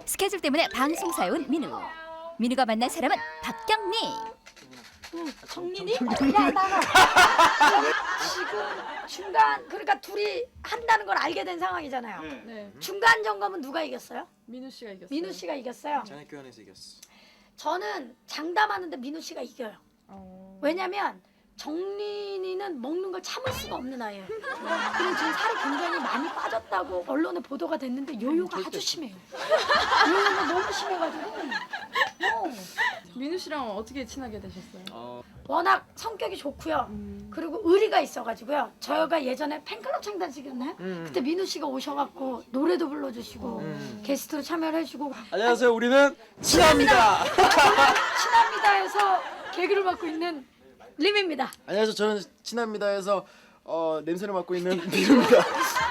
스케줄 때문에 방송사에 온 민우. 민우가 만난 사람은 박경리. 정민이? 야 나가. 지금 중간 그러니까 둘이 한다는 걸 알게 된 상황이잖아요. 네. 중간 점검은 누가 이겼어요? 민우 씨가 이겼어요. 민우 씨가 이겼어요. 자네 교환해서 이겼어. 저는 장담하는데 민우 씨가 이겨요. 왜냐면 정린이는 먹는 걸 참을 수가 없는 아이예요. 그리고 지금 살이 굉장히 많이 빠졌다고 언론에 보도가 됐는데 요요가 아주 심해요. 요요가 너무 심해가지고 민우 씨랑 어떻게 친하게 되셨어요? 워낙 성격이 좋고요. 그리고 의리가 있어가지고요. 저희가 예전에 팬클럽 창단식이었나요? 그때 민우 씨가 오셔갖고 노래도 불러주시고 게스트로 참여를 해주고 안녕하세요. 우리는 친합니다. 친합니다에서 개그를 맡고 있는 림입니다. 안녕하세요. 저는 친합니다에서 냄새를 맡고 있는 민우입니다.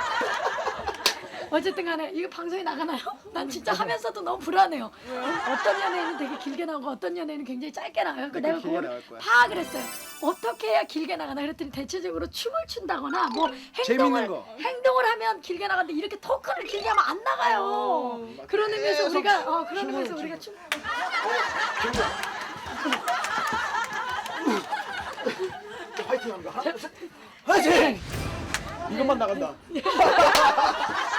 어쨌든 간에 이거 방송에 나가나요? 난 진짜 하면서도 너무 불안해요. 어떤 연예인은 되게 길게 나오고 어떤 연예인은 굉장히 짧게 나와요. 그러니까 내가 길게 그걸 나올 거야. 파악을 했어요. 어떻게 해야 길게 나가나 그랬더니 대체적으로 춤을 춘다거나 뭐 재밌는 거. 행동을 하면 길게 나가는데 이렇게 토크를 길게 하면 안 나가요. 그런 의미에서 우리가 그런 의미에서 우리가 춤 화이팅 합니다. 화이팅! 이것만 나간다.